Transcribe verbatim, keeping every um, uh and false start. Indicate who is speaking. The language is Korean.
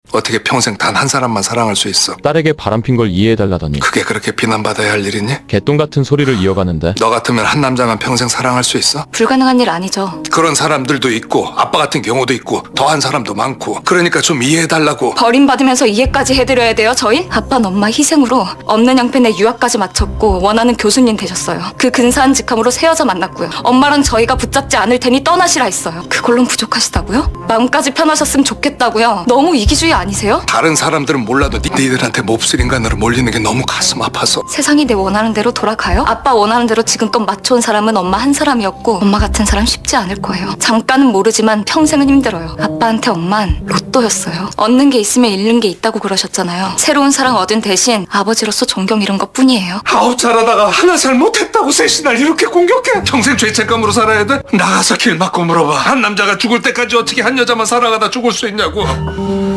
Speaker 1: 어떻게 평생 단 한 사람만 사랑할 수 있어?
Speaker 2: 딸에게 바람핀 걸 이해해달라더니
Speaker 1: 그게 그렇게 비난받아야 할 일이니?
Speaker 2: 개똥 같은 소리를 이어가는데
Speaker 1: 너 같으면 한 남자만 평생 사랑할 수 있어?
Speaker 3: 불가능한 일 아니죠.
Speaker 1: 그런 사람들도 있고 아빠 같은 경우도 있고 더한 사람도 많고 그러니까 좀 이해해달라고.
Speaker 3: 버림받으면서 이해까지 해드려야 돼요, 저희? 아빠는 엄마 희생으로 없는 양편에 유학까지 마쳤고 원하는 교수님 되셨어요. 그 근사한 직함으로 새 여자 만났고요. 엄마랑 저희가 붙잡지 않을 테니 떠나시라 했어요. 그걸론 부족하시다고요? 마음까지 편하셨으면 좋겠다고요? 너무 이기주의 아니세요?
Speaker 1: 다른 사람들은 몰라도 니- 니들한테 몹쓸 인간으로 몰리는 게 너무 가슴 아파서.
Speaker 3: 세상이 내 원하는 대로 돌아가요? 아빠 원하는 대로 지금껏 맞춰온 사람은 엄마 한 사람이었고 엄마 같은 사람 쉽지 않을 거예요. 잠깐은 모르지만 평생은 힘들어요. 아빠한테 엄만 로또였어요. 얻는 게 있으면 잃는 게 있다고 그러셨잖아요. 새로운 사랑 얻은 대신 아버지로서 존경 잃은 것 뿐이에요.
Speaker 1: 아홉 잘하다가 하나 잘못했다고 셋이 날 이렇게 공격해? 평생 죄책감으로 살아야 돼? 나가서 길 막고 물어봐. 한 남자가 죽을 때까지 어떻게 한 여자만 사랑하다 죽을 수 있냐고.